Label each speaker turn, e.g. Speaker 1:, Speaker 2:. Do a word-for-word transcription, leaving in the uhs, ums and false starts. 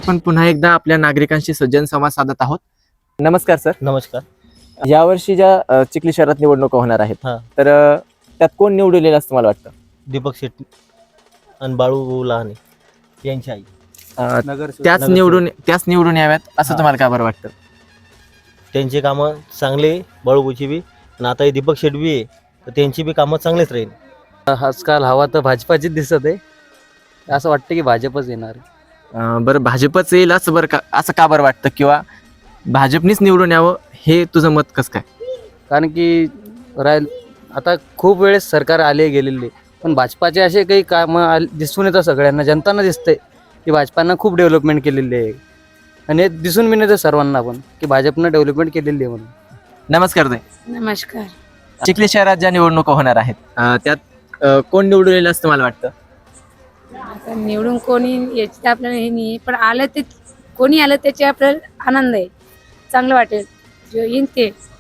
Speaker 1: आपण पुन्हा एकदा आपल्या नागरिकांशी सज्जन संवाद साधत आहोत. नमस्कार सर.
Speaker 2: नमस्कार.
Speaker 1: यावर्षी ज्या अ, चिखली शहरात निवडणुका होणार आहेत
Speaker 2: हा.
Speaker 1: तर अ, त्यात कोण निवडून येईल असं मला वाटतं?
Speaker 2: दीपक शेट्टी आणि बाळू लहाने यांची आई
Speaker 1: अ,
Speaker 2: नगरसेवक-
Speaker 1: त्याच
Speaker 2: नगरसेवक.
Speaker 1: निवडून त्याच निवडून याव्यात असं
Speaker 2: हा.
Speaker 1: तुम्हाला का बरं वाटतं?
Speaker 2: त्यांचे कामं चांगले, बाळूची बी आणि आता हे दीपक शेट्टी बी आहे तर त्यांची बी कामं चांगलेच राहील.
Speaker 3: आजकाल हवा तर भाजपाचीच दिसत आहे. असं वाटतं की भाजपच येणार.
Speaker 1: अ, बरं भाजपच येईल असं बरं का असं का बरं वाटतं किंवा भाजपनीच निवडून यावं हे तुझं मत कसं काय?
Speaker 3: कारण की राहील आता खूप वेळेस सरकार आले गेलेले, पण भाजपाचे असे काही कामं आल दिसून येतं सगळ्यांना, जनतांना दिसतंय की भाजपानं खूप डेव्हलपमेंट केलेली आहे. आणि हे दिसून बी येतं सर्वांना पण की भाजपनं डेव्हलपमेंट केलेली आहे म्हणून.
Speaker 1: नमस्कार ताई.
Speaker 4: नमस्कार.
Speaker 1: चिखली शहरात ज्या निवडणुका होणार आहेत अ, त्यात अ, कोण निवडून येईल असं मला वाटतं?
Speaker 4: आता निवडून कोणी याची तर आपल्याला हे नाही, पण आलं ते कोणी आलं त्याचे आपल्याला आनंद आहे, चांगलं वाटेल जो येईन ते.